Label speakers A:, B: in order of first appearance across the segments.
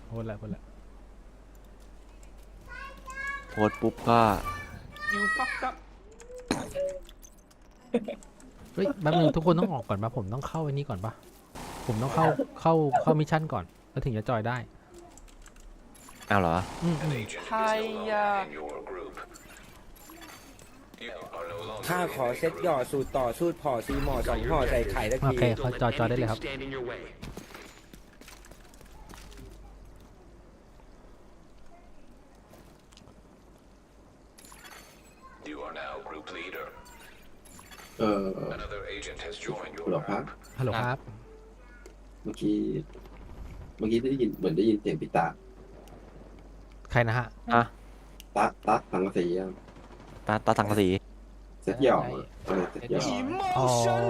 A: โพสแล้วโพสแล้ว
B: โพสต์ปุ๊บก็
C: ยูฟักกับ
A: เฮ้ยแป๊บนึงทุกคนต้องออกก่อนปะผมต้องเข้าไอ้นี้ก่อนปะผมต้องเข้ามิชชั่นก่อนแล้วถึงจะจอยได้
B: อ้าวเหรอ
C: ไทยยา
D: ข้าขอเซ็ตหย่อสูตรต่อสูตรผ่อซีหมอ2ห่อใส่ไข่ตะ
A: โอ
D: กี้
A: เคเขาจอยได้เลยครับ
E: หรอครับ
A: ฮัลโหลครับ
E: เมื่อกี้ได้ยินเหมือนได้ยินเสียงพี่ตา
A: ใครนะฮะ
B: อ่ะ
E: ตาสังกะสีอะ
B: ตาสังกะสี
E: เซ็ตหย่อเซ็ตหย่อ
A: อ๋อ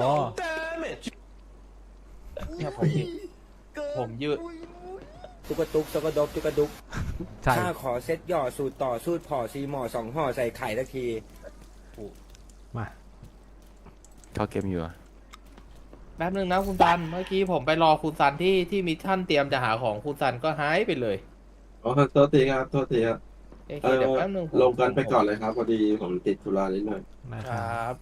C: เนี่ยผมยืด
D: ตุกตุกตกดกตุกดุก
A: ใช่
D: ข้าขอเซ็ตหย่อสูตรต่อสูตรผ่อซีหมอ2ห่อใส่ไข่ตะกี้
A: มา
B: เข้าเกมอยู่อะ
C: แป๊บนึงนะคุณซันเมื่อกี้ผมไปรอคุณซันที่มิชชั่นเตรียมจะหาของคุณซันก็หายไปเลย
E: อ๋อโทษทีครับโทษทีครับ
C: โอเคเดี๋ยวแป๊บนึงผม
E: ลงกันไปก่อนเลยครับพอดีผมติดธุระนิดหน่อย
A: นะ
C: ค
A: ค
C: ร
A: รับั
C: บ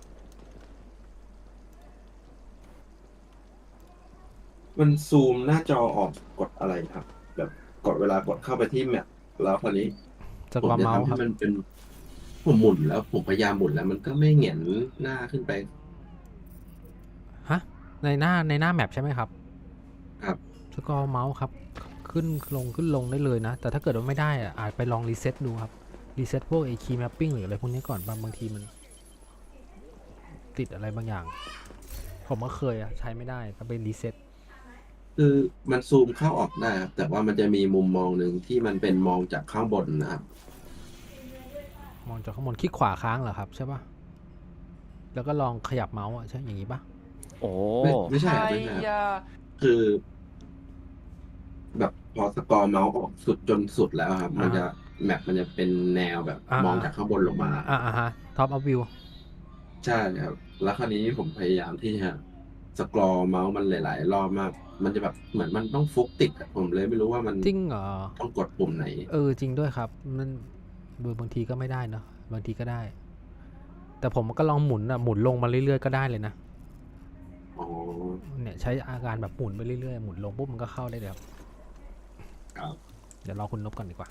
E: มันซูมหน้าจอออกกดอะไรครับ แบบกดเวลากดเข้าไปที่แมปแล้วคราวนี้
A: จะ
E: ผม
A: ความ
E: จะ
A: เมาส์
E: ทำ
A: ค
E: ให้
A: รับ
E: มันเป็นผมหมุนแล้วผมพยายามหมุนแล้ว มันก็ไม่เหงียนหน้าขึ้นไป
A: ฮะในหน้าแมปใช่ไหมครับ
E: ครับ
A: สกอร์เมาส์ครับขึ้นลงได้เลยนะ แต่ถ้าเกิดว่าไม่ได้อะอาจไปลองรีเซ็ตดูครับรีเซ็ตพวกไอ้คีย์แมปปิ้งหรืออะไรพวกนี้ก่อนบางทีมันติดอะไรบางอย่าง ผมก็เคยอะใช้ไม่ได้ต้องไปรีเซ็ต
E: คือมันซูมเข้าออกได้ครับแต่ว่ามันจะมีมุมมองหนึ่งที่มันเป็นมองจากข้างบนนะครับ
A: มองจากข้างบนคลิกขวาค้างเหรอครับใช่ปะแล้วก็ลองขยับเมาส์อะใช่อย่างนี้ปะ
B: โอ้
E: ไม่ใช่
C: ไท
E: ครับ
C: ย
E: ไม่ใช่ครับ
C: ยา
E: คือ แบบพอสกอร์เมาส์ออกสุดจนสุดแล้วครับ มันจะแมปมันจะเป็นแนวแบบมองจากข้างบนลงมา
A: ฮะท็อปอัพวิว
E: ใช่ครับ แล้วคราวนี้ผมพยายามที่จะสกรอเมาส์มันหลาย ๆ รอบมาก มันจะแบบเหมือนมันต้องฟุกติดอะผมเลยไม่รู้ว่ามัน
A: จริงเหรอ
E: ต้องกดปุ่มไหน
A: จริงด้วยครับมันบางทีก็ไม่ได้เนอะบางทีก็ได้ แต่ผมก็ลองหมุนลงมาเรื่อยๆก็ได้เลยนะ
E: อ๋อ
A: เนี่ยใช้อาการแบบหมุนไปเรื่อยๆหมุนลงปุ๊บมันก็เข้าได้เลยครับ
E: ครับ
A: เดี๋ยวรอคุณนบก่อนดีกว่า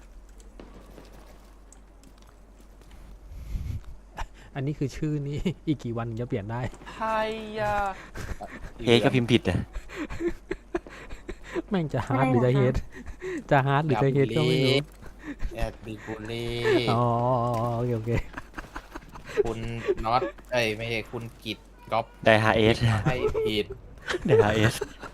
A: อันนี้คือชื่อนี้ อีกกี่วันถึงจะเปลี่ยนได้
C: ไทยยา
B: เฮก็พิมพ์ผิดอะ
A: แม่งจะฮาร์ดหรือจะเฮดจะฮาร์ดหรือจะเฮดก็ไม่รู้
C: แอดบิบุรี
A: อ๋อโอเค
C: คุณน็อตไม่ใช่คุณกิตก๊อป
B: ไดฮาเอส
C: ให้ผิด
B: ไดฮาเอส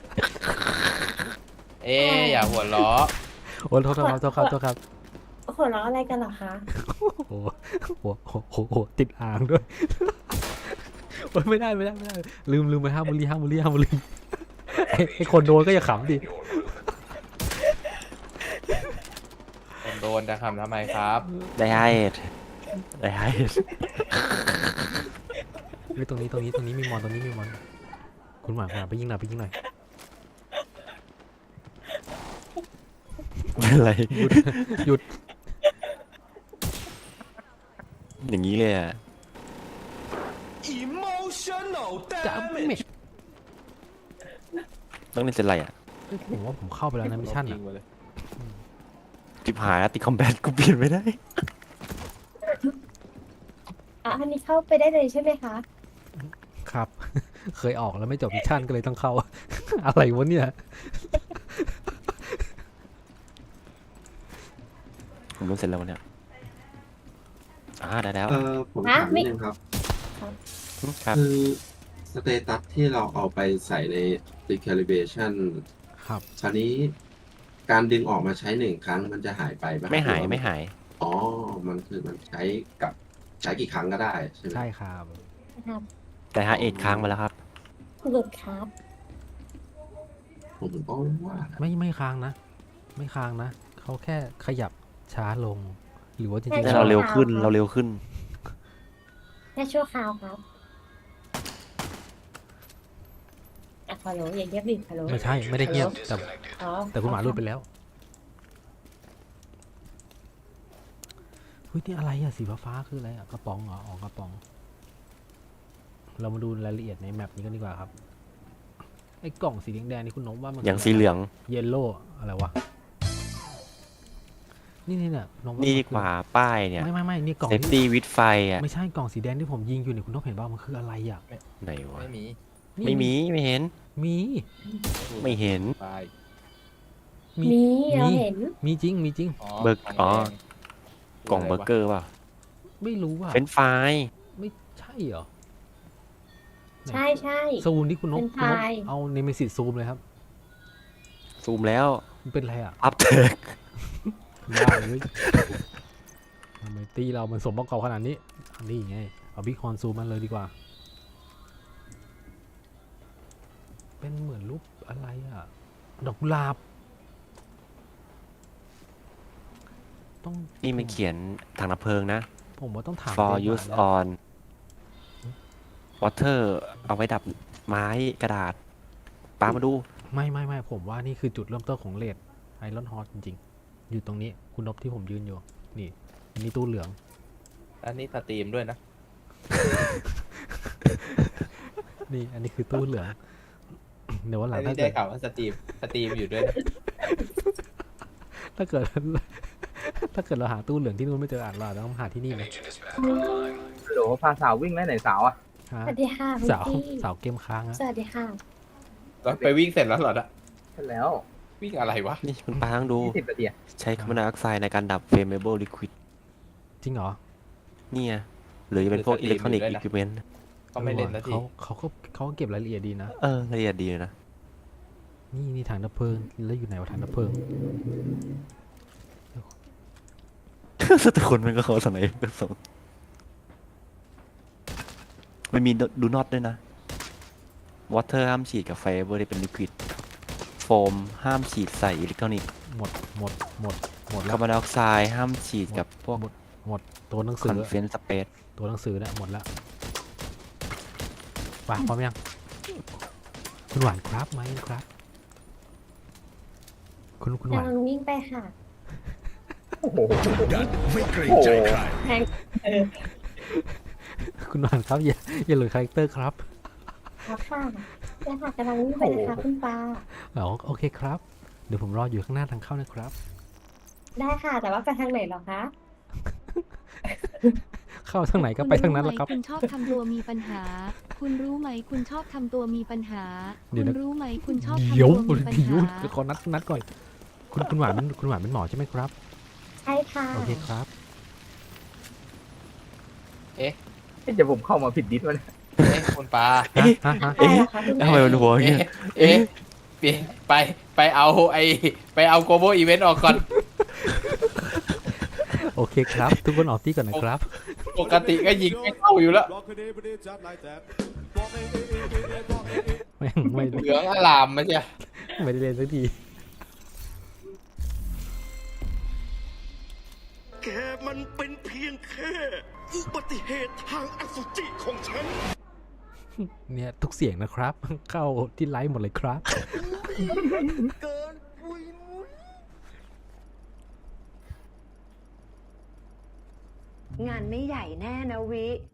C: อย่าหัวเราะ
A: โอ้โทษครับ
F: หัวเราะอะไรกันเหรอคะ
A: โอ้โหติดอ่างด้วย โอ้ยไม่ได้ลืมไปห้ามบุรีไอ้คนโดนก็อย่าขำดิ
C: ผมโดนจะทำทำไมครับ
B: ไดฮาเอสไดฮาเอส
A: เฮ้ยตรงนี้มีมอนคุณหมาไปยิงหน่อย
B: เป็นไร
A: หยุด
B: อย่างนี้เลยอะ
A: จะเม็ด
B: ต้องเล่นเซนไรอะ
A: ผมว่าผมเข้าไปแล้วนะมิชชั่น
C: ยิ
A: อ่ะ
C: งมาเลย
B: จิบหายแล้วติดคอมแบทกูเปลี่ยนไม่ได้
F: อันนี้เข้าไปได้เลยใช่ไหมคะ
A: ครับ เคยออกแล้วไม่จบมิชชั่นก็เลยต้องเข้า อะไรวะเนี่ย
B: ผมรู้เสร็จแล้ววันเนี้ยได้แล้ว
E: ผมถามนิดนึงครับ
B: ครับ
E: คือสเตตัสที่เราเอาไปใส่ใน recalibration
A: ครับ
E: คราวนี้การดึงออกมาใช้1 ครั้งมันจะหายไปปะครับ
B: ไม่หาย
E: รือว่
B: ไม่หาย
E: อ๋อ มันใช้กี่ครั้งก็ได้ใช่ไหม
A: ใช่ครับ
F: ครับ
B: ไดฮาเอสค้างมาแล้วครับ
F: หลุดครับ
E: ผมก็ว่า
A: ไม่ค้างนะ ไม่ค้างนะเขาแค่ขยับช้าลง หรือว่าจริง
B: แต่
A: ๆ
B: เราเร็วขึ้น
F: ครับ
B: เราเร็วขึ้น
F: แค่ชั่วคราวครับฮัลโหลอย่าเงียบดิฮัลโหล
A: ไม่ใช่ไม่ได้เงียบแต่
F: อ๋อ
A: แต่คุณหมาหลุดไปแล้วฮ้ยนี่อะไรอะสีฟ้าๆคืออะไรอะกระป๋องเหรออ๋อกระป๋อง เรามาดูรายละเอียดในแมปนี้กันดีกว่าครับไอ้กล่องสีแดงๆนี่คุณนกว่ามัน
B: อย่างสีเหลือง
A: เยลโล่อะไรวะนี่เนี่ยนก
B: นี่ดีกว่าป้ายเนี่ย
A: ไม่นี่กล่อง
B: เซฟ
A: ที่
B: ตี้วิดไฟอ่ะ
A: ไม่ใช่กล่องสีแดงที่ผมยิงอยู่เนี่ยคุณนกเห็นป่าวมันคืออะไรอะ
B: ไหนวะ
C: ไม่มี
A: นี่
B: ไม่มีไม่เห็น
A: มี
B: ไม่เห็น
C: ไป
F: มีเราเห็น
A: มีจริงมีจริง
B: เบิกอ๋อ
C: แดง
B: กล่องเบอร์เกอร์เปล่า
A: ไม่รู้ว่า
B: เป็นไฟราย
A: ไม่ใช่เหรอ
F: ใช่ใช่
A: ซูมที่คุณนก
F: เป็น
A: คุณนก
F: ไฟล์
A: เอาเนมิสิตซูมเลยครับ
B: ซูมแล้ว
A: มันเป็นอะไรอ่ะ
B: อัพเทิร์ก
A: ได้เลยทำไมตีเรามันสมประกอบขนาดนี้อันนี้ไงเอาบิ๊กฮอนซูมมันเลยดีกว่า เป็นเหมือนรูปอะไรอ่ะ ดอกกุหลาบต้อง
B: นี่มันเขียนถังดับเพลิงนะ
A: ผมว่าต้องถาม
B: for
A: เจ๊
B: use
A: หวาน
B: on water เอาไว้ดับไม้กระดาษป้ามาดู
A: ไม่ผมว่านี่คือจุดเริ่มต้นของเลดไอรอนฮอตจริงๆ อยู่ตรงนี้คุณนบที่ผมยืนอยู่ นี่ตู้เหลือง
C: อันนี้สตรีมด้วยนะ
A: นี่อันนี้คือตู้เหลือง เดี๋ยววันหลั
C: อั
A: ง
C: น
A: ถ้า
C: นี้
A: เกิ
C: ได้
A: ด
C: ข่าวว่าสตรีมอยู่ด้วยนะ
A: ถ้าเกิด ถ้าเกิดเราหาตู้เหลืองที่นู่นไม่เจอเราอาจจะต้องหาที่นี่ไหม
G: โหลพาสาววิ่งไหมไหนสาวอ่ะ
A: ฮะ
F: สวัสดีค่ะคุณ
A: สาว
F: พี่
A: สาวเกมค้างอะ
F: สวัสดีค่ะ
C: แล้วไปวิ่งเสร็จแล้วเหรอนะ
G: ใช่แล้ว
C: วิ่งอะไรวะ
B: นี่คุณป้าต้องดู
G: 20 นาทีอะ
B: ใช้คาร์บอนไดออกไซด์ในการดับ flammable liquid
A: จริงเหรอ
B: เนี่ยหรือจะเป็นพวกอิเล็กทรอนิกส์อุปกรณ์
C: ก็ไม่เล่นแล้วที
A: เขาก็เก็บรายละเอียดดีนะ
B: ละเอียดดีเลยนะ
A: นี่ถังดับเพลิงแล้วอยู่ไหนวะถังดับเพลิง
B: แต่คนมันก็เขาสมัยก็ส่งมันมีดูน็อตด้วยนะ water ห้ามฉีดกับไฟเบอร์ที่เป็นลิควิดโฟมห้ามฉีดใส่อิเล็กทรอนิกส์
A: หมดแล้
B: คาว ร์บอนไดออกไซด์ห้ามฉีดกับพวก
A: หมดตัวหนัง
B: ค
A: สื
B: อน
A: อ
B: เฟนสเปซ
A: ตัวหนังสือเนี่ยหมดแล้วไปพร้อมยัง คุณหวานครับไหมครับ คุณหวาน
F: กำลังวิ่งไปค่ะ
G: โอ้โห
H: ไม่เกรงใจใคร
F: แทง
A: คุณหวานครับอย่าหลุดคาแรคเตอร์ครับ
F: ครับค่ะเนี่ยค่ะกำลังวิ่งไปนะคะคุณปา
A: โอเคครับ เดี๋ยวผมรออยู่ข้างหน้าทางเข้านะครับ
F: ได้ค่ะ แต่ว่าไปทางไหนเหรอคะ
A: เข้าทางไหนก็ไปทางนั้นแหละครับ
I: คุณชอบทำตัวมีปัญหา คุณรู้ไหมคุณชอบทำตัวมีปัญหา
A: เดี๋
I: คุ
A: ยว
I: ณ
A: นะ
I: รู้ไหมคุณชอบทำ
A: เดี๋ยว
I: ตัวมีปัญ
A: เดี๋ยว
I: หา
A: ขอนัดก่อน คุณหวานเป็นหมอใช่ไหมครับ
F: ใช่ค่ะ
A: โอเคครับ
G: เอ๊ะเดี๋ยวผมเข้ามาผิดดิสวะเนี่ย
C: เอ๊ะคุณปลา
A: ฮะ
F: ใช่เหรอคะคุณ
B: ทำไมมันหัวอย่างเงี้ย
C: เอ๊ะเปลี่ยนไปเอาไปเอาโกโบอีเวนต์ออกก่อน
A: โอเคครับ ทุกคนออกที่ก่อนนะครับ
C: ปกติก็ยิงไม่เข้าอยู่แล้ว
A: ไม่
C: เหลืองอลามไม่ใช่
A: ไม่ได้เล่นสักที
H: แกมันเป็นเพียงแค่อุบัติเหตุทางอสุจิของฉัน
A: เนี่ยทุกเสียงนะครับ เข้าที่ไลฟ์หมดเลยครับ
H: เกินปุยมุ้ย
J: งานไม่ใหญ่แน่นะวิ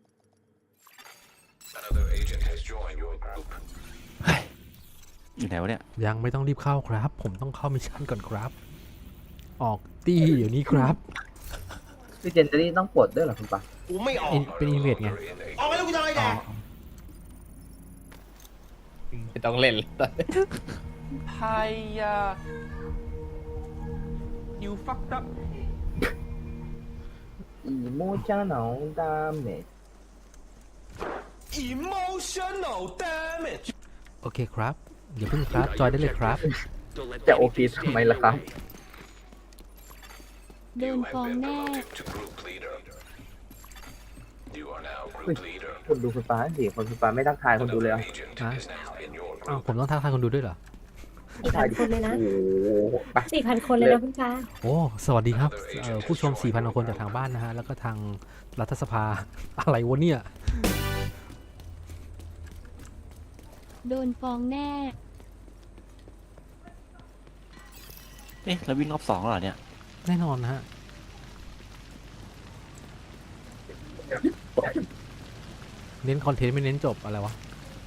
B: อยู่ไหนวะเนี่ย
A: ยังไม่ต้องรีบเข้าครับ ผมต้องเข้ามิชชั่นก่อนครับ ออกตีเดี๋ยวนี้ครับ
G: พี่เจนจะนี่ต้องปลดด้วยเหรอคุณปา
H: กูไม่ออก
A: เป็นอินเวดไง
H: ออกไปแล้วกูจะอะไรแดก
C: ไม่ต้องเล่นแล้ว
B: ไฮยา you fucked up
G: อีโมชั่นเอาดามเมจ
H: emotional damage
A: โอเคครับอย่าเพิ่งครับ จอยได้เลยครับ
G: จะโอพีทำไมล่ะครับ
I: โดนฟ้องแน่
G: คุณดูคุณปาสิคุณปาไม่ทักทายคนดูเลยเหรอ
A: ฮะอ้าวผมต้องทักทายคนดูด้วยเหรอ
F: 4,000 คนเลยนะ
G: โอ้โหไป
F: 4,000 คนเลยนะคุณปา
A: โอ้สวัสดีครับผู้ชม 4,000 กว่าคนจากทางบ้านนะฮะ แล้วก็ทางรัฐสภา อะไรวะเนี่ย
I: โดนฟ้องแน่
B: เอ๊ะแล้ววิ่งรอบ2แล้วเหรอเนี่ย
A: แน่นอนนะฮะเน้นคอนเทนต์ไม่เน้นจบอะไรวะ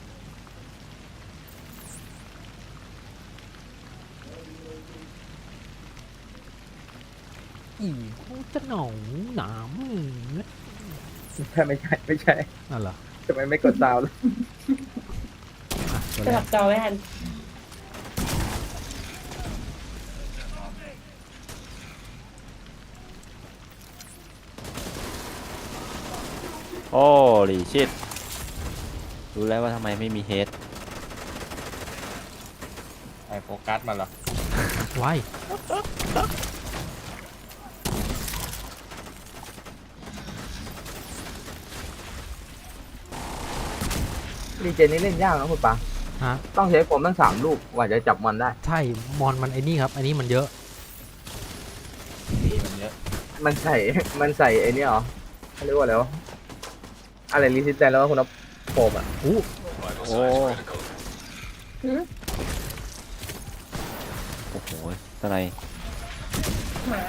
A: อีเขาจะหนองหนามนะ
G: ไม่ใช่
A: อ่ะเหรอ
G: ทำไมไม่กดซาวด์เลย
A: อ่ะตัว
F: ส
A: แร
F: ลั
A: ก
F: บจอไม่ทัน
B: โอ้ลิชิตรู้แล้วว่าทำไมไม่มีเฮด
C: ไอโฟกัสมาเหรอ
A: ไว้
G: รีเจนนี่เล่นยากนะคุณปา
A: ฮะ
G: ต้องใช้ผมตั้ง3 ลูกกว่าจะจับมันได้
A: ใช่มอนมันไอ้นี่ครับ อันนี้มันเยอะ
C: มีมันเยอะ
G: มันใส่ไอ้นี่เหรอเขาเรียกว่าอะไรวะอะไรรีซิสแตนแล้วว่าคุณเอาโฟมอ่ะ
A: อู้
B: โอ้
F: หืม
B: โอ้โหตะไน
F: หมา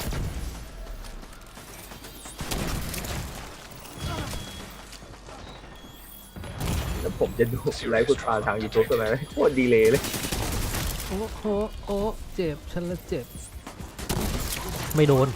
G: แล้วผมจะดูไลฟ์คุณปาทางยูทูบทำไมโคตรดีเลย
A: โอ้โหโอ้เจ็บฉันละเจ็บ ไม่โดน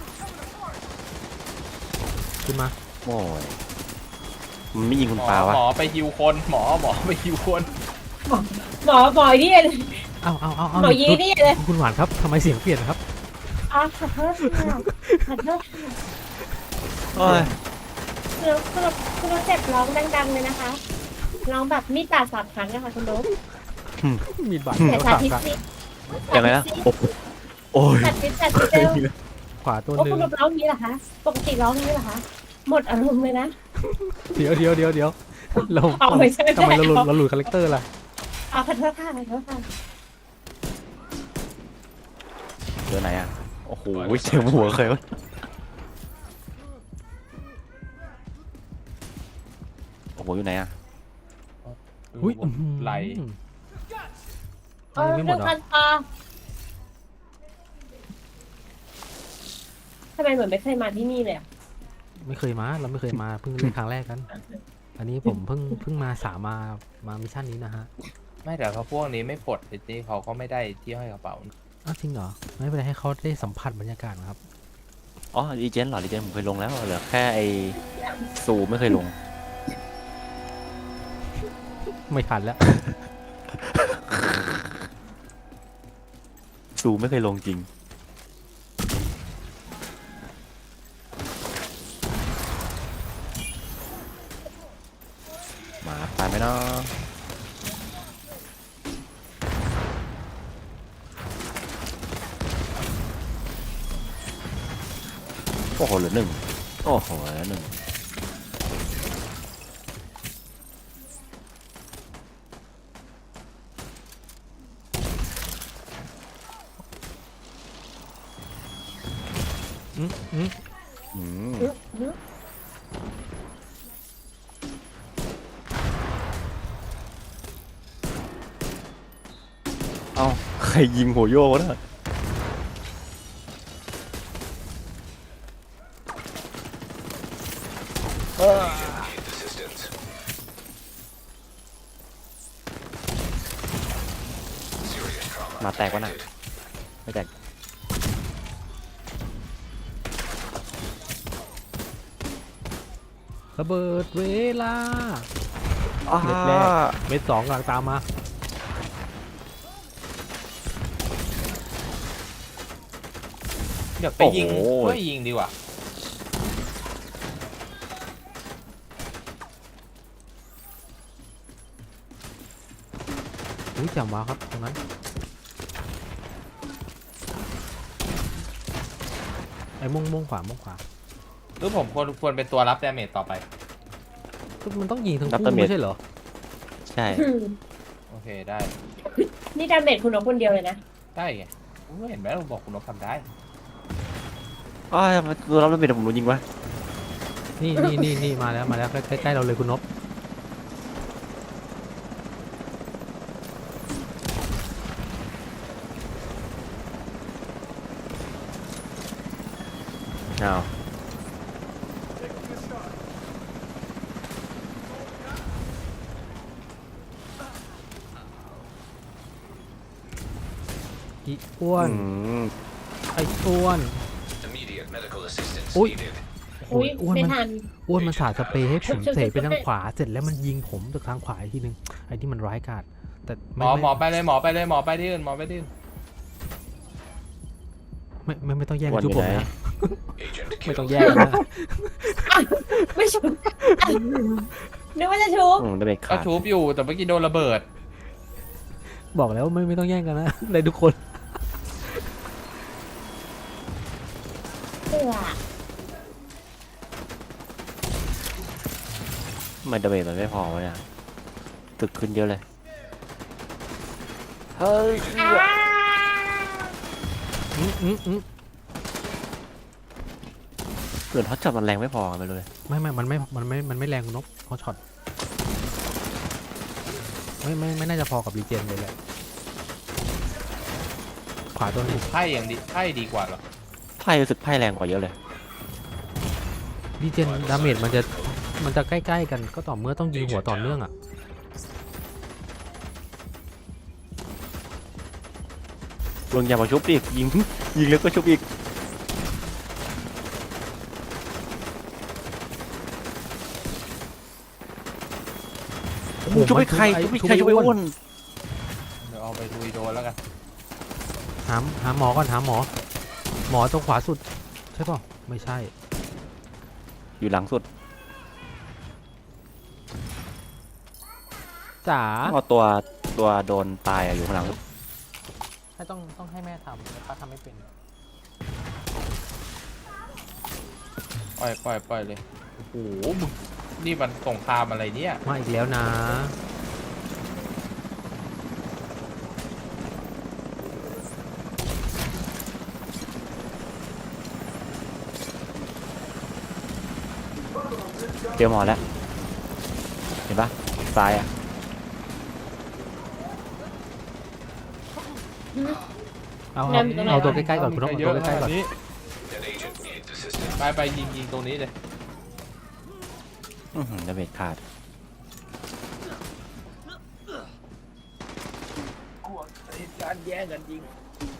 A: ขึ้นมา
B: โอ้ยมันไม่ยิงคุณ
C: หม
B: ปา
C: อ
B: วะ
C: หมอไปฮิวคนหมอไปฮิวคน
F: หมอที่เลย
A: เอา
F: หมอยีนี่เลย
A: คุณหวานครับทำไมเสียงเปลี่ยนครับ
F: อ๋อขอโทษค่ะขอโทษค่ะ
B: โอ้ย
F: คุณรถเจ็บร้องดังๆเลยนะคะร้องแบบมีดบาด3 ครั้งนะคะคุณรถ
A: มีดบาด
F: แต่
A: แล้ว
F: สา
A: สาม
F: ธิต
A: ครั้ง
F: สิ
B: ยังไงนะโอ้ย
F: สาธิตเร็ว
A: ขวาตัว
F: โอ้
A: หนึ่
F: คุ
A: ง
F: ณรถร้องนี้เหรอคะปกติร้องนี้เหรอคะหมดอารมณ์เลยนะ
A: เดี๋ยวเรา
F: เอาไม่ใช่
A: ทำไมเราหลุดคาแรคเตอร์ล่ะ
F: เอาขอโทษค่ะขอโทษค่ะ
B: เจอไหนอ่ะโอ้โหเจอหัวเคยวะโอ้โหอยู่ไหนอ่ะ
A: อุ้ย
C: ไหล
A: อันนี้ไม่หมดเหรอ
F: ทำไมเหมือนไม่เคยมาที่นี่เลยอ่ะ
A: ไม่เคยมาเราไม่เคยมาเพิ่งเล่นครั้งแรกกัน อันนี้ผมเพิ่งมามามิชชั่นนี้นะฮะ
C: ไม่แต่เขาพวกนี้ไม่ปลดจริงๆเขาก็ไม่ได้ที่ห้อยกระเป๋า
A: อ้าวจริงเหรอไม่เป็นไรให้เขาได้สัมผัสบรรยากาศนะครับ
B: อ๋อรีเจนเหรอรีเจนผมเคยลงแล้วเหลือแค่ไอซูไม่เคยลง
A: ไม่ทันแล้ว
B: ซูไม่เคยลงจริงมาตายไหมเนาะโอ้โหเหลือ1โอ้โหเหลือ1อืมเอ้าใครยิงหัวโยกวะเนี่ยมาแตกวะน่ะไม่แตก
A: ระเบิดเวลา
B: อ่า
A: เม็ดแรก เม็ด 2กำลังตามมา
C: เดี๋ยวไปยิง
B: โอ้โห
C: ช่วยยิงดีกว่า
A: อุ้ยจำว้าวครับตรงนั้นไอ้ม่วงขวา
C: หรือผมควรเป็นตัวรับดาเมจต่อไป
A: ก็มันต้องยิงทั้ง
B: รับ
A: คู่
B: ดาเมจ
A: ไม่ใช่เหรอ
B: ใช่
C: โอเคได้
F: นี่ดาเมจคุณรถคนเดียวเลยนะ
C: ได้ไงผมก็เห็นไหมผมบอกคุณนกทำได้
B: อ้าวตัวรับแล้วเป็นผมรู้ยิงวะ
A: นี่มาแล้วใกล้ๆเราเลยคุณนพ
B: อ้าว
A: อีอ้วน
B: อืม
A: ไอ้อ้วนอุ้ย
F: อุ้ย
A: อ้วน
F: ไม่
A: มัน
F: ทัน
A: อ้วนมันสาดสเปรย์ให้ผมเสไปทางขวาเสร็จแล้วมันยิงผมจากทางขวาอีกทีนึงไอ้ที่มันร้ายกาจแต่
C: หมอไปเลยหมอไปเลยหมอไปที่อื่นหมอไปที่อื่น
A: ไม่ต้องแย่งกันชุบผมนะ ไม่ต้องแย่งกันนะ
F: ไม่ชุบนึกว่าจะชุบ
B: ได้เบรก
C: ก็
B: ขาด
C: ชูบอยู่แต่เมื่อกี้โดนระเบิด
A: บอกแล้วไม่ต้องแย่งกันนะเลยทุกคน
F: เสือ
B: ทำไมได้เบรกมันไม่พอวะเนี่ยตึกขึ้นเยอะเลยเฮ้ย เกิดฮอตช็อตมันแรงไม่พอไปเลย
A: มันไม่แรงคุณนกเขาช็อตไม่น่าจะพอกับรีเจนเลยแหละขวาตัวนึง
C: ไพ่อย่างดีไพ่ดีกว่าเหรอ
B: ไพ่รู้สึกไพ่แรงกว่าเยอะเลย
A: รีเจนดาเมจมันจะใกล้ๆกันก็ต่อเมื่อต้องยิงหัวต่อเนื่องอ่ะ
B: ลงยามาชุบอีกยิงแล้วก็ชุบอีกชุบไปใครชุบไปอ้วน
C: เดี๋ยวเอาไปลุยโดนแล้วกัน
A: หาหมอก่อนหาหมอตรงขวาสุดใช่ป่ะไม่ใช่
B: อยู่หลังสุด
A: จ๋า
B: เอาตัวโดนตายอยู่ข้างหลัง
A: ให้ต้องให้แม่ทำแต่ป้าทำไม่เป็น
C: ปล่อยเลย โอ้โหมึงนี่มันสงครามอะไรเนี่ย
A: มาอีกแล้วนะ
B: เจอหมอแล้วเห็นปะตายอ่ะ
A: เอาตัวใกล้ๆก่อนคุณต้องเอาตัวใกล้ๆก่อน
C: ไปยิงตรงนี้เลย
B: ได้เบรกขาด
D: การแย่งกันจริง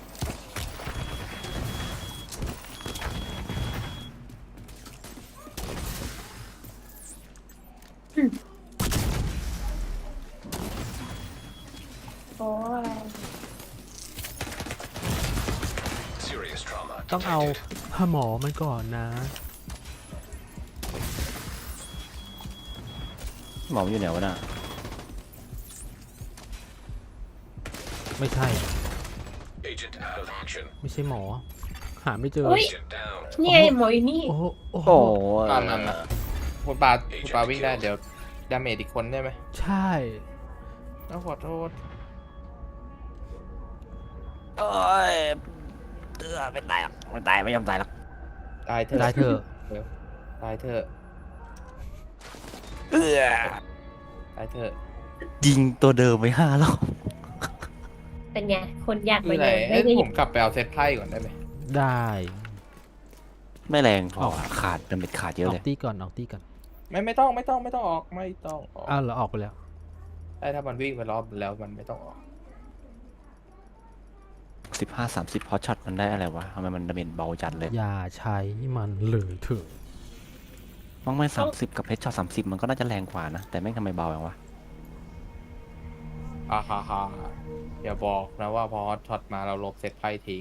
F: โอ้ย
A: ต้องเอาหาหมอมันก่อนนะ
B: หมอมันอยู่ไหนวะน่ะ
A: ไม่ใช่ไม่ใช่หมอ หาไม่เจอ
F: อุ้ยนี่ไงหมออยู่นี่
A: โอ้โหโอ้โห
B: โอ้
C: นั่นน่ะคุณปาวิ่งได้เดี๋ยวดาเมจอีกคนได้ไหม
A: ใช่
C: ต้องขอโทษ
B: โอ้ยไม่ตายหรอกไม่ตายไม่ยอมตายหรอก
C: ตายเถอะ
A: ได้เถอะ
C: ตายเถอะตายเถอะ
B: ยิงตัวเดิมไป5 รอบ
F: เป็นไงคนอยาก
C: คื
F: มา
C: ออะไร
F: เดิน
C: เอ้
F: ไม่
C: ย
F: ได้
C: ผมกลับไปเอาเซตไพ่ก่อนได้ไหม
A: ได้
B: ไม่แรงพอ
A: เอา
B: ขาดดาเมจขาดเย
A: อ
B: อะ
A: อ
B: เลย
A: กตีก่อนออกตีก่อน
C: ไม่ต้องออกไม่ต้องออกไม่ต้องออก
A: อ้าวเหราออกไปแล้ว
C: ได้ถ้ามันวิ่งไปรอบแล้วมันไม่ต้องออก
B: 15-30 พอช็อตมันได้อะไรวะทำไมมันดาเมจเบาจัดเลย
A: อย่าใช้มันเลยเถอะ
B: มั้งไม่30 กับเพชรช็อต30 มันก็น่าจะแรงกว่านะ แต่แม่งทำไมเบาอย่างวะ
C: ฮ่าอย่าบอกนะว่าพอช็อตมาเราลบเซตไพ่ทิ้ง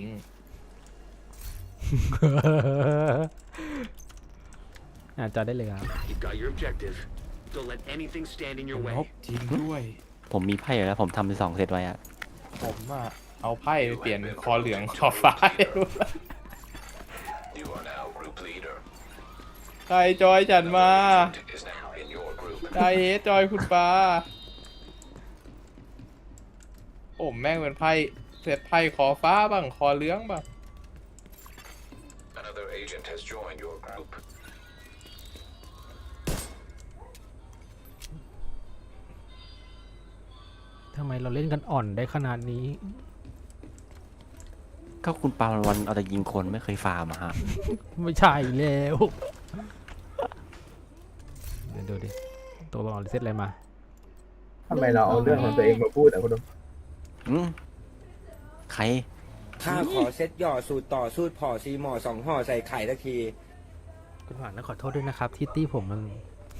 A: อาจจะได้เลยครับ
H: You've got your objective. Don't let anything stand in your
C: ล
H: way.
C: บทิ้งด้วย
B: ผมมีไพ่อยู่แล้วผมทำเป็น2 เซตไว้อะ
C: ผมอะเอาไพ่ไปเปลี่ยนคอเหลืองคอฟ้าให้ดูใครจอยฉันมาใครเฮดจอยคุณปาผมแม่งเป็นไพ่เซตไพ่คอฟ้าบ้างคอเหลืองบ้าง
A: ทำไมเราเล่นกันอ่อนได้ขนาดนี้
B: ก็คุณปาวันเอาแต่ยิงคนไม่เคยฟาร์มอะฮะ
A: ไม่ใช่แล้วเดี๋ยวดูดิตัวรองรีเซ็ตอะไรมา
G: ทำไมเราเอาเรื่องของตัวเองมาพูดอ่ะคุณนก
B: อืมใคร
D: ข้าขอเซ็ตหย่อสูตรต่อสูตรพอซีหมอ2ห่อใส่ไข่ทักที
A: คุณหวานต้องขอโทษด้วยนะครับ ที่ตี้ผมมัน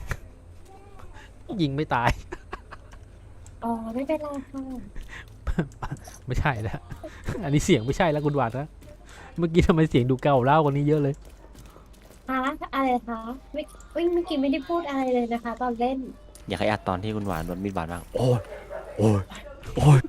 A: ยิงไม่ตาย
F: อ๋อไม่เป็นไรค่ะ
A: ไม่ใช่แล้ว อันนี้เสียงไม่ใช่แล้วคุณหวานนะ เมื่อกี้ทำไมเสียงดูเก่าเล่ากว่านี้เยอะเลย
F: คะอะไรคะไม่เมื่อกี้ไม่ได้พูดอะไรเลยนะคะ ตอนเล่น
B: อยากให้อัดตอนที่คุณหวานโดนมีดบาดบ้างโอ้ยโอ้ยโอ้ย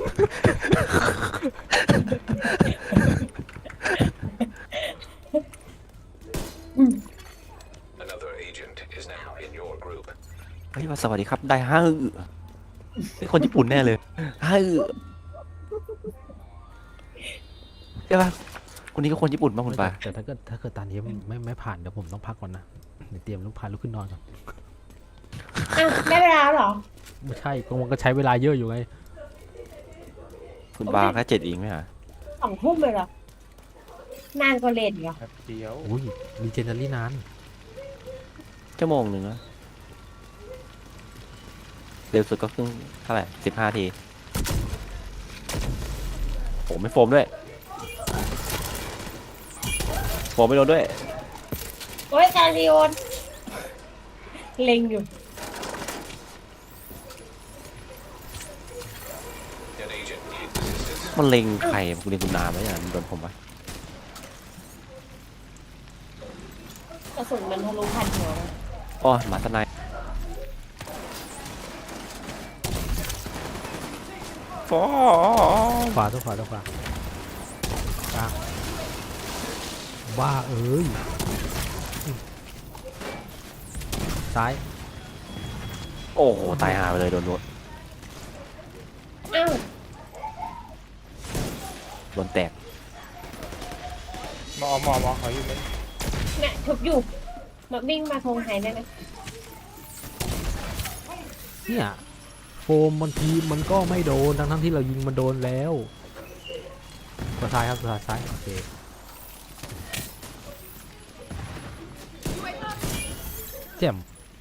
B: เฮ้ยว่าสวัสดีครับได้ห้าเป็นคนญี่ปุ่นแน่เลยห้าใช่ปะคนนี้ก็คนญี่ปุ่นป่ะคุณปา
A: แต่ถ้าเกิดตอนนี้ไม่ผ่านเดี๋ยวผมต้องพักก่อนนะเดี๋ยวเตรียมลุกขึ้นนอนก่อน
F: อ้าวได้เวลาแล้วเหรอ
A: ไม่ใช่ก็มันก็ใช้เวลาเยอะอยู่ไง
B: คุณปาแค่7เองไหมฮะ
F: 2 ทุ่มเลยเหรอ นานกว่าเล่นเหรอ
C: แป๊บเดียว
A: อุ้ยมีเจนเนอรี่นาน
B: ชั่วโมงหนึ่งนะเร็วสุดก็ครึ่งเท่าไหร่15 ทีโอ้ไม่โฟมด้วยโฟมไม่โดนด้วย
F: โอ้ยการิโอนเล็งอยู่
B: มันเล็งใครคุณเล็งคุณนาไหมอย่างมันโดนผมปะ
F: กระสุนมันทะลุผ่านหัว
B: อ๋อหมาตะไนฟอ
A: ขวาตัวขวากลางบ้าเอ้ยซ้าย
B: โอ้โหตายหาไปเลยโดนรถ
F: อ้าว
B: โดนแตก
C: หมอเขาอยู่ไหม
F: เนี่ยทุบอยู่มาวิ่งมาทงหายได้ไหม
A: เนี่ยโฟมบางทีมันก็ไม่โดนทั้งที่เรายิงมันโดนแล้วตัวซ้ายครับตัวซ้ายโอเคแจ่ม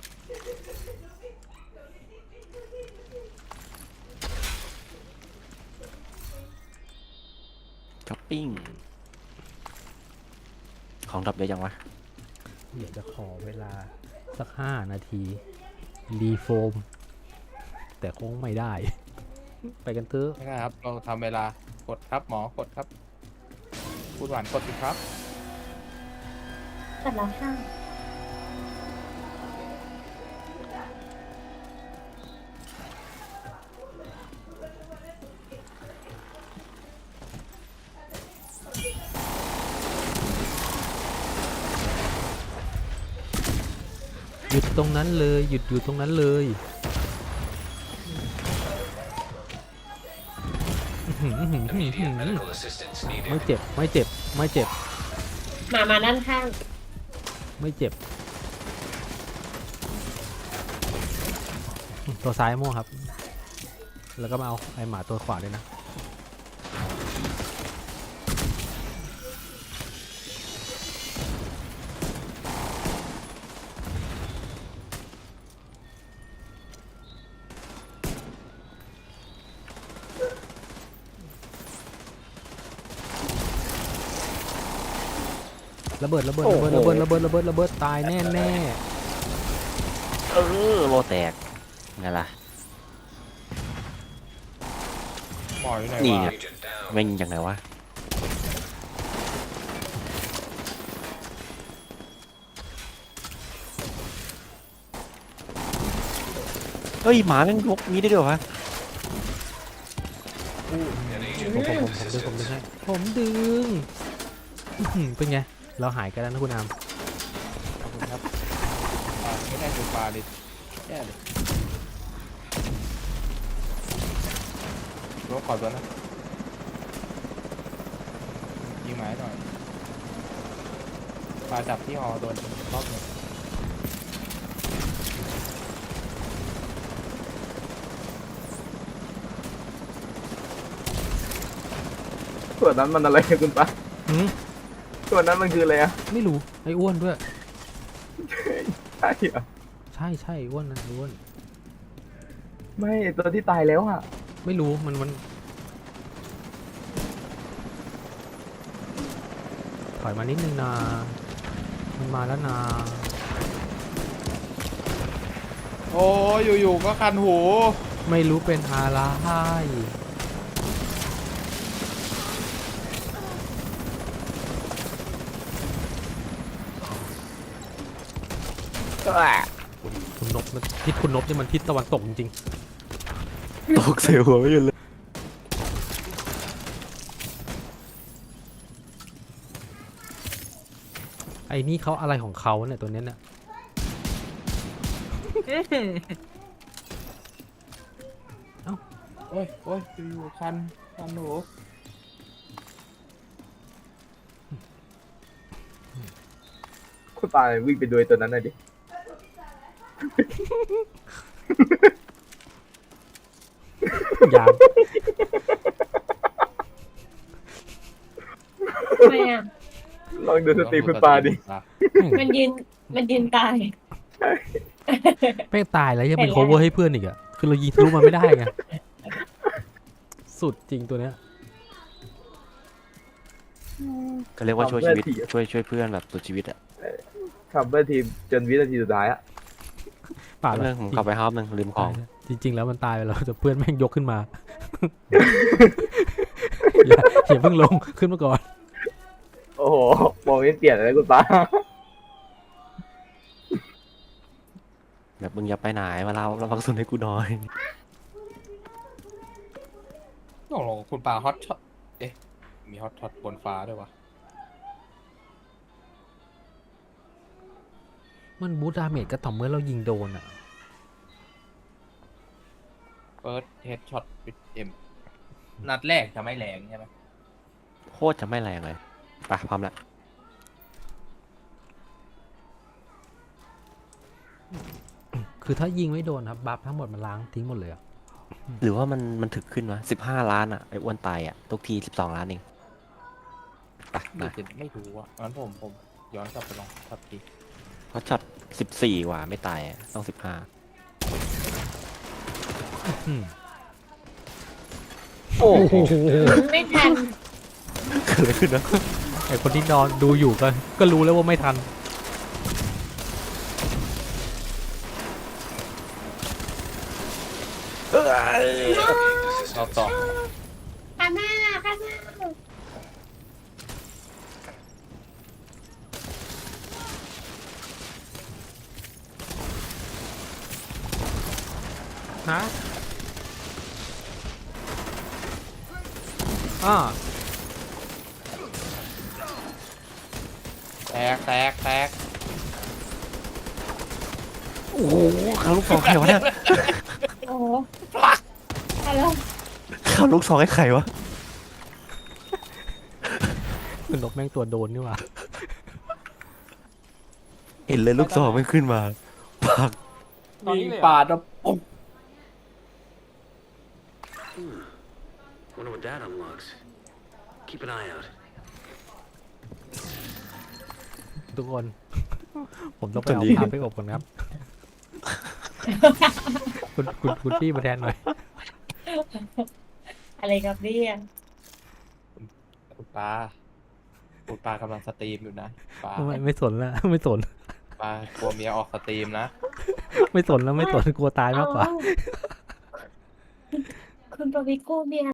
B: ช้อปปิ้งของดับเยอะจังวะ
A: เดี๋ยวจะขอเวลาสัก5 นาทีรีโฟม แต่คงไม่ได้ ไปกันเถอะ
C: ไม่ได้ครับ เราทำเวลากดครับหมอกดครับคุณหวานกดสิครับ
F: ตัดแล้วค่ะ
A: หยุดตรงนั้นเลยหยุดอยู่ตรงนั้นเลยไม่เจ็บไม่เจ็บไม่เจ็บ
F: มาด้านข้าง
A: ไม่เจ็บตัวซ้ายม่วงครับ แล้วก็มาเอาไอหมาตัวขวาด้วยนะระเบิดตายแน่
B: โลแตกไงล่ะ
C: หมออยู่ไหน
B: นี่
C: วะ
B: ไงแม่งยังไงวะเฮ้ยหมาแม่งยกนี้ได้ด้วยวะ
A: ผมดึงเป็นไงเราหายกันแล้วนะคุณอาม
C: ขอบคุณครับไม่ได้ดูปลาดิแย่เลยรถขอตัวนะยิงหมายหน่อยปลาจับที่หอโดนรอบหนึ่ง
G: ส่วนนั้นมันอะไรคุณปะ
A: หืม
G: ส่วนนั้นมันคืออะไรอะ
A: ไม่รู้ไอ้อ้วนด้วย
G: ใช่เหรอ
A: ใช่อ้วนนะอ้วน
G: ไม่ตัวที่ตายแล้วอะ
A: ไม่รู้มันถอยมานิดนึงนะมันมาแล้วนะ
C: โอ้ยอยู่ๆก็คันหู
A: ไม่รู้เป็นอะไร คุณนบมันทิศคุณนบนี่มันทิศตะวันตกจริง
B: ตกเสียหัวไม่หยุดเลย
A: ๆไอ้นี่เขาอะไรของเขาเนี่ยตัวเนี้ยเนี่ย
C: โอ้ยอยู่ๆคันหู
G: คุณปาวิ่งไปดูไอ้ตัวนั้นหน่อยดิ
A: ยาม
F: ทำไมอ่ะ
G: ลองดูสตรีมคุณปาดิ
F: มันยืนตาย
A: ไม่ตายแล้วยังเป็น
F: เห็นแล้ว
A: cover ให้เพื่อนอีกอะคือเรายิงทะลุมันไม่ได้ไง สุดจริงตัวเนี้ย
B: ก็เรียกว่าช่วยชีวิตช่วยเพื่อนแบบสุดชีวิตอะ
G: คัมเบอร์ทีมจนวินาทีสุดท้ายอะ
A: ป่าด
B: เรื่องผมขับไปฮอปหนึ่งลืมของ
A: จริง ๆ แล้วมันตายไปแล้วแต่เพื่อนแม่งยกขึ้นมา อย่าเพิ่งลงขึ้นมาก่อน
G: โอ้โหมองไม่เปลี่ยนเลยคุณปา
B: แบบมึงอย่าไปไหนมาเราพักสุนให้กูหน่อย
C: โอ้โหคุณปาฮอตช็อตเอ๊ะมีฮอตช็อตบนฟ้าด้วยวะ
A: มันบูทดาเมจก็ต่อเมื่อเรายิงโดนอะ
C: เฟิร์สเฮดช็อตวิดเอ็มนัดแรกจะไม่แรงใช่ไหม
B: โคตรจะไม่แรงเลยไปพร้อมแล้ว
A: คือถ้ายิงไม่โดนครับบัฟทั้งหมดมันล้างทิ้งหมดเลยอะ
B: หรือว่ามันถึกขึ้นวะ15 ล้านอะไอ้อ้วนตายอะทุกที12 ล้านเองไป
C: หรือจะไม่รู้อ่ะงั้นผมย้อนกลับไปลองสักที
B: เพราะช็อต14ว่ะไม่ตายอะต้อง15
A: อืม
B: โอ้โห
F: ไม่ทัน
B: เกิดอะไรขึ้นนะ
A: ไอคนที่นอนดูอยู่ก็รู้แล้วว่าไม่ทัน
C: เราต่อ
F: ข้างหน้า
A: ฮะอ่า
C: แตก
B: โอ้โหข้าลูกซองใครวะเนี่ย
F: โอ้โหฮัลโหล
B: ข้าลูกซองให้ใครวะ
A: มันนกแม่งตัวโดนนี่หว่า
B: เห็นเลยลูกซองไม่ขึ้นมาปัก
C: มีปาดแล้วปุ๊บ
H: Wonder what that unlocks. Keep an eye out.
A: ทุกคน ผมต้องไปเอาพาไปอบก่อนครับ คุณพี่มาแทนหน่อย
F: อะไรครับเนี่ย
C: คุณปากำลังสตรีมอยู่นะปา
A: ไม่สนแล้ว ไม่สน
C: ปากลัวเมียออกสตรีมนะ
A: ไม่สนแล้วไม่สนกลัวตายมากกว่า
F: คุณปวิโก้เมีย